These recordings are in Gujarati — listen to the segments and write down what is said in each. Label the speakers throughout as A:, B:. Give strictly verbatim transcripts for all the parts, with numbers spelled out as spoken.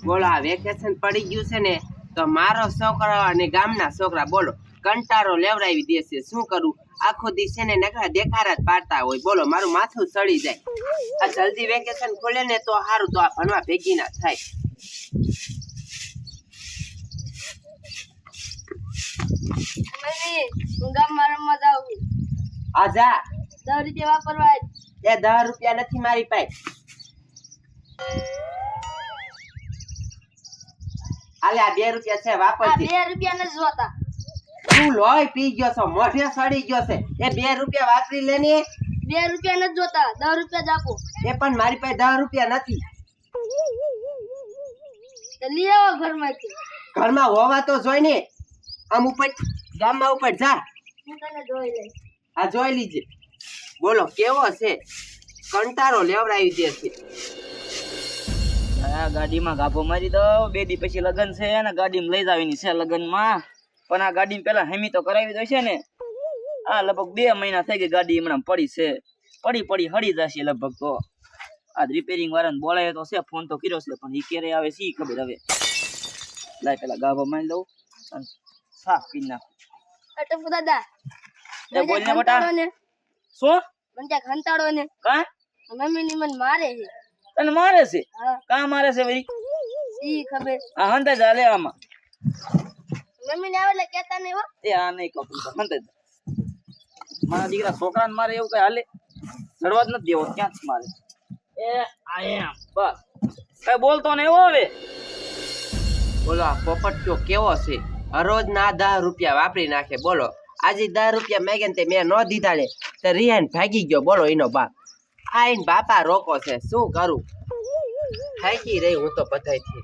A: બોલો આ વેકેશન પડી ગયું છે ને તો મારો છોકરો અને ગામના છોકરા બોલો કંટારો લેવડાવી દેશે શું કરું આખો દિવસ છે ને નકરા દેખાડા જ પાડતા હોય બોલો મારું માથું સડી જાય આ જલ્દી વેકેશન ખોલે ને તો સારું તો આ ભણવા ભેગી ના થાય
B: મમ્મી હું ગામમાં રમવા જાઉં છું
A: આ જા
B: દસ રૂપિયા વાપરવા
A: એ દસ રૂપિયા નથી મારી પાસે આલે આ બે રૂપિયા છે
B: આ
A: વાપરજે
B: બે રૂપિયા નથી જોતા
A: તું લોહી પી ગયો છો મોઢે સડી ગયો છે એ બે રૂપિયા વાપરી લે ને
B: બે રૂપિયા નથી જોતા દસ રૂપિયા જ આપો
A: એ પણ મારી પાસે દસ રૂપિયા નથી
B: તો લઈ આવો ઘરમાંથી
A: ઘરમાં હોવા તો જોઈ ને આમ ઉપર ગામમાં ઉપર જા
B: હું તને જોઈ લઈશ
A: આ જોઈ લીજે બોલો કેવો છે કંટારો લેવડાવી દે છે
C: આ ગાડીમાં ગાભો મારી દો બે દી પછી લગન છે અને ગાડીમાં લઈ જાવીની છે લગનમાં પણ આ ગાડી પેલા હેમી તો કરાવી દો છે ને આ લગભગ બે મહિના થઈ ગઈ ગાડી હમણાં પડી છે પડી પડી હળી જશે લગભગ તો આ રિપેરિંગ વાળાને બોલાય તો છે ફોન તો કર્યો છે પણ ઈ ક્યારે આવે સી ખબર હવે લાય પેલા ગાભો મારી દઉં અને સાફ કરી નાખું
B: અટપુ દાદા
C: એ બોલ ને બટા શું
B: મને ત્યાં ખંતાડો ને
C: કા
B: મમ્મી ની મને મારે છે
C: તને મારે છે
B: હા
C: કા મારે છે ભાઈ
B: સી ખબર
C: આ હંતા જા લે આમાં
B: મમ્મી ને આવે એટલે કેતા નહીં હો
C: એ આ નહીં કપડું તો હંતા જા મારા દીકરા છોકરાને મારે એવું કઈ હાલે ચડવા જ નથી દેવો ક્યાં મારે એ આયા બસ કઈ બોલતો ને એવો હવે
A: બોલો આ પોપટિયો કેવો છે હરોજ ના દસ રૂપિયા વાપરી નાખે બોલો આજે દસ રૂપિયા મેગે ને તે મેં ન દીધા ને તે રિહાન ભાગી ગયો બોલો એનો બાપ આ એને બાપા રોકો છે શું કરું થાકી રહી હું તો બધાયથી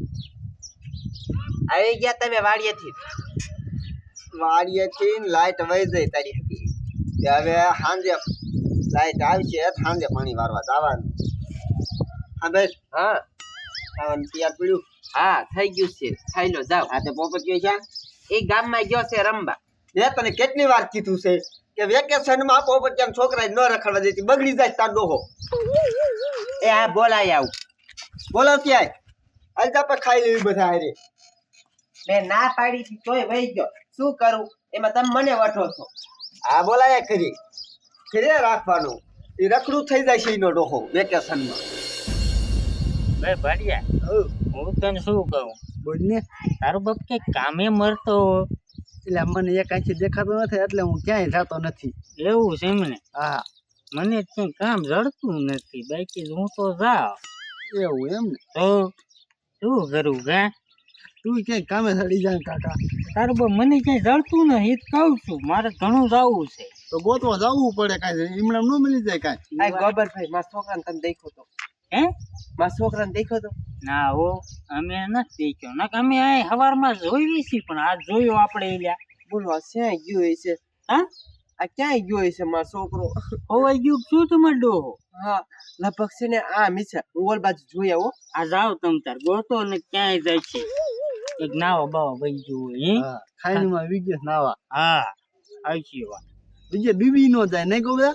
A: આવી ગયા તમે વાડીએથી
D: વાડીએથી લાઈટ વહી જાય તારી હતી હવે સાંજે લાઈટ આવશે સાંજે પાણી વારવા જવાનું હા ભાઈ
A: હા
D: ખાવાનું તૈયાર પડ્યું
A: હા થઈ ગયું છે ખાઈ લો જાઓ
D: આ તે પોપટીયો છે
A: એ ગામમાં ગયો છે રમવા
D: મેં તને કેટલી વાર કીધું છે કે વેકેશનમાં પોપટીયા છોકરા ન રખડવા દેતી બગડી જાય તાર ડોહો
A: એ આ બોલાય આવું
D: બોલો ક્યાંય હાલ તો આપણે ખાઈ લેવી બધા હારે
A: મેં ના પાડી હતી તોય વહી ગયો શું કરું એમાં તમે મને વઠો છો
D: આ બોલાયા કરી ઘરે રાખવાનું એ રખડું થઈ જાય છે એનો ડોહો વેકેશનમાં
C: બે ભાડિયા હું તને શું કહું
D: બોલ ને
C: તારો બાપ કે કામે મરતો
D: એટલે મને એક આંખી દેખાતો નથી એટલે હું ક્યાંય જતો નથી
C: એવું છે એમને
D: હા
C: મને ક્યાંય કામ જડતું નથી બાકી હું તો જાઉં
D: એવું એમ ને
C: તો શું કરું ગા
D: તું ક્યાંય કામે સડી જાય કાકા
C: તારું બાપ મને ક્યાંય જડતું નથી એ જ કહું છું મારે ઘણું જવું છે
D: તો ગોતવા જવું પડે કાંઈ એમણે ન મળી જાય કાંઈ
A: આ ગોબરભાઈ મારા છોકરાને તમે દેખો તો
C: હે
A: મારા છોકરાને દેખો તો
C: ના હો અમે નથી દેખ્યો ના અમે આ સવારમાં જોઈ છીએ પણ આ જોયો આપણે એલ્યા
A: બોલો આ ક્યાંય ગયો હોય છે
C: હા
A: આ ક્યાંય ગયો હોય છે મારો છોકરો
C: હોવાઈ ગયું શું તમારે ડોહો
A: હા લગભગ છે ને આ મીસા હું ઓલ બાજુ જોઈ આવો
C: આ જાઓ તમ તાર ગોતો ને ક્યાંય જાય છે એક નાવા બાવા વહી ગયું હોય હે
D: ખાઈમાં વિજય નાવા
C: હા આવી વાત
D: બીજે બીબી નો જાય નહીં કહું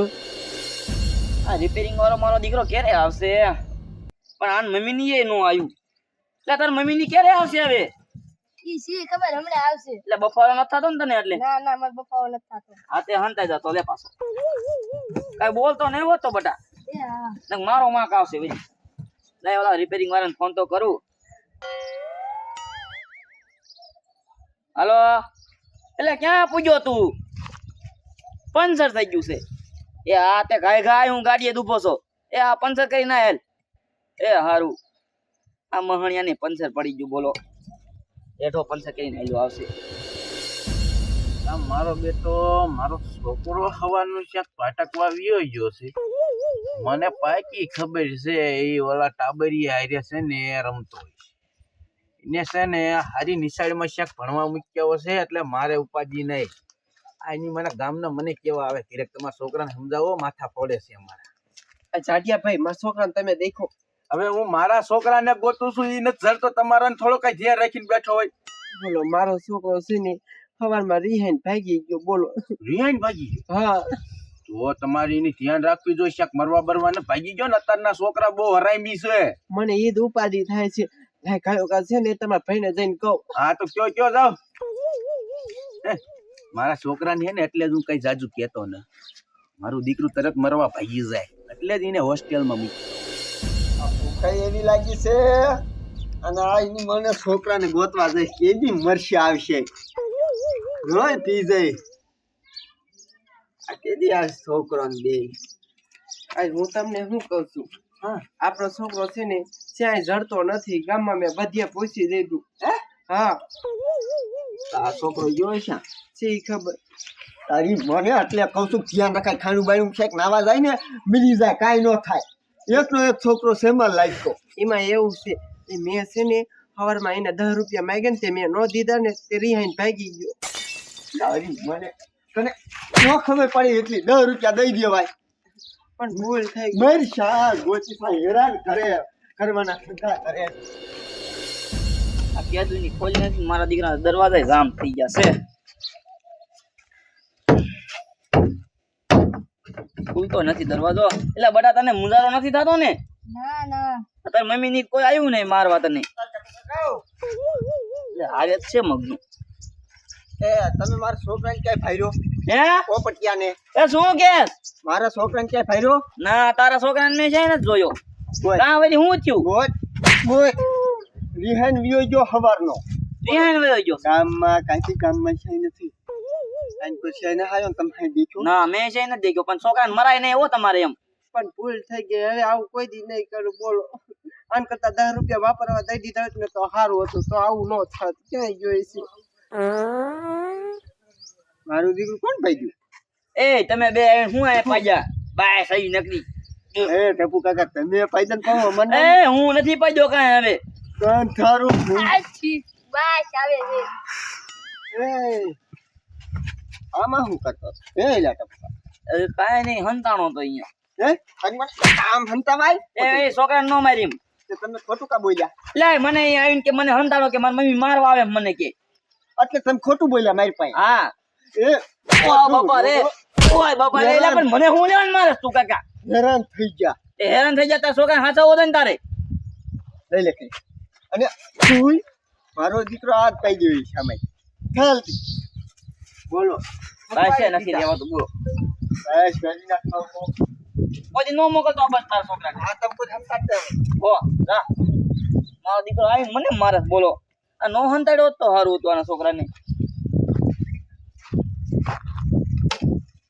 C: આ રિપેરિંગ વાળો મારો દીકરો ક્યારે આવશે પણ આન મમ્મી ની એ નો આવ્યું એટલે તાર મમ્મી ની ક્યારે આવશે હવે
B: ઈ સી ખબર હમણાં આવશે
C: એટલે બફારો નથી થતો ને તને એટલે
B: ના ના મારો બપાવો નથી થતો
C: હા તે હંતાઈ જતો લે પાછો કઈ બોલતો નહીં હોતો બટા
B: એ હા
C: નક મારો માક આવશે ભાઈ લે ઓલા રિપેરિંગ વાળાને ફોન તો કરું હાલો એટલે ક્યાં પૂજ્યો તું પંચર થઈ ગયું છે એ આ તે ગાય ગાય હું ગાડીએ દુભો છો એ આ પંચર કરી ના હેલ એ હારું આ મહણિયાને પંચર પડી ગયું બોલો એઠો પંચર કરીને હેલું આવશે
E: આ મારો બેટો મારો છોકરો હવાનું ક્યાંક પાટકવા વિયો ગયો છે મને પાકી ખબર છે એ ઓલા ટાબરી હારે છે ને એ રમતો હોય એને છે ને હારી નિશાળીમાં ક્યાંક ભણવા મૂક્યો છે એટલે મારે ઉપાધિ નહીં આ એની મને ગામના મને કેવા આવે ધીરેક તમારા છોકરાને સમજાવો માથા પડે છે અમારા
A: આ જાડિયા ભાઈ મારા છોકરાને તમે દેખો
E: હવે હું મારા છોકરાને ગોતું છું એ નથી જડતો તમારા થોડો કઈ ધ્યાન રાખીને બેઠો હોય
A: બોલો મારો છોકરો છે ને સવારમાં રિહાઈન ભાગી ગયો બોલો
E: રિહાઈન ભાગી ગયો
A: હા
E: તો તમારી એની ધ્યાન રાખવી જોઈએ શાક મરવા બરવા ને ભાગી ગયો ને અત્યારના છોકરા બહુ હરામી છે
A: મને ઈદ ઉપાધિ થાય છે લાય કાયો કા છે ને તમારા ભાઈને જઈને કહું.
E: હા તો કયો કયો જાવ. હે, મારા છોકરાને હે ને એટલે જ હું કઈ જાજુ કહેતો ને. મારું દીકરું તરત મરવા ભાગી જાય એટલે જ એને હોસ્ટેલમાં મૂકી.
D: આ ભૂખાઈ એવી લાગી છે અને આ એની મને છોકરાને ગોતવા જઈશ કેદી મરશે આવશે રોય પી જાય આ કેદી આ છોકરો ને બે
A: આજ હું તમને શું કહું છું, હા આપણો છોકરો છે ને ક્યાંય જડતો નથી. ગામમાં મેં બધે પૂછી દીધું.
D: હે
A: હા
D: આ છોકરો ગયો છે
A: છે ઈ ખબર.
D: તારી મને એટલે કહું છું ધ્યાન રખાય ખાણું બાણું છે નાવા જાય ને મિલી જાય કાંઈ ન થાય એકનો એક છોકરો સેમલ લાગ્યો
A: એમાં એવું છે એ મેં છે ને સવારમાં એને દસ રૂપિયા માંગ્યા ને તે મેં ન દીધા ને તે રિહાઈને ભાગી ગયો.
D: તારી મને તને ન ખબર પડી એટલી દસ રૂપિયા દઈ દેવાય
A: પણ ભૂલ થઈ ગઈ.
D: મર શા ગોચી થાય હેરાન કરે કરવાના ધંધા કરે
C: આ કેદુની ખોલી નથી મારા દીકરા દરવાજા જામ થઈ ગયા છે. ખુલતો નથી દરવાજો. એટલે બટા તને મુંજારો નથી થતો ને?
B: ના ના
C: તાર મમ્મી ની કોઈ આવ્યું નહીં મારવા તને? એટલે હારે જ છે મગનું.
D: એ તમે મારા છોકરાને ક્યાંય ફાયરો
C: હે
D: પોપટિયાને
C: એ શું કે?
D: મારા છોકરાને ક્યાંય ફાયરો
C: ના તારા છોકરાને મેં છે ને જોયો.
D: ગોય
C: કાં વળી હું થયું?
D: ગોય ગોય રિહાન વિયો જો હવારનો
C: રિહાઈન વયો ગયો.
D: ગામમાં કાંઈ ગામમાં છે નથી કાંઈ પછી એને હાયો તમે હાઈ દીધું
C: ના મેં છે ને દેખ્યો પણ છોકરાને મરાય નહીં હો તમારે એમ.
A: પણ ભૂલ થઈ ગઈ. હવે આવું કોઈ દી નહીં કરું બોલો. આન કરતા દસ રૂપિયા વાપરવા દઈ દીધા હોત ને તો સારું હતું, તો આવું ન થાત. ક્યાંય જોઈ છે
D: મારું દીકરું કોણ ભાઈ
C: એ તમે બે હું આ પાડ્યા બાય સહી નકરી.
D: ગયું એ ટપુ કાકા તમે પાયદન કહો મને
C: એ હું નથી પાડ્યો કાંઈ હવે.
D: કાન થારું ભૂલ.
B: આછી બસ આવે છે.
D: એ આમાં શું કરતો હતો? એ લા ટપુ
C: એ કાંઈ નહીં હંતાણો તો અહીંયા.
D: હે આજ મને આમ હંતાવાય
C: એ એ છોકરાને ન મારી એમ.
D: તે તમે ખોટું કા બોલ્યા
C: લે મને અહીંયા આવીને કે મને હંતાણો કે મારી મમ્મી મારવા આવે મને કે.
D: એટલે તમે ખોટું બોલ્યા મારી પાસે
C: હા
D: એ
C: ઓય બાપા રે ઓય બાપા રે. એટલે પણ મને હું લેવાનું મારે તું કાકા?
D: હેરાન થઈ ગયા
C: એ હેરાન થઈ જતા છોકરા હાચવવો તો ને તારે.
D: લઈ લે કઈ અને તું મારો દીકરો આ કહી દેવી સામે ચાલ બોલો
C: કાંઈ છે નથી લેવાતું બોલો.
D: બસ ગરી નાખો
C: પછી નો મોકલતો બસ તારા છોકરાને.
D: આ તમ કોઈ હંતાડે
C: હો જા મારો દીકરો આવીને મને મારે બોલો. આ નો હંતાડ્યો હોત તો સારું હતું આના છોકરાને.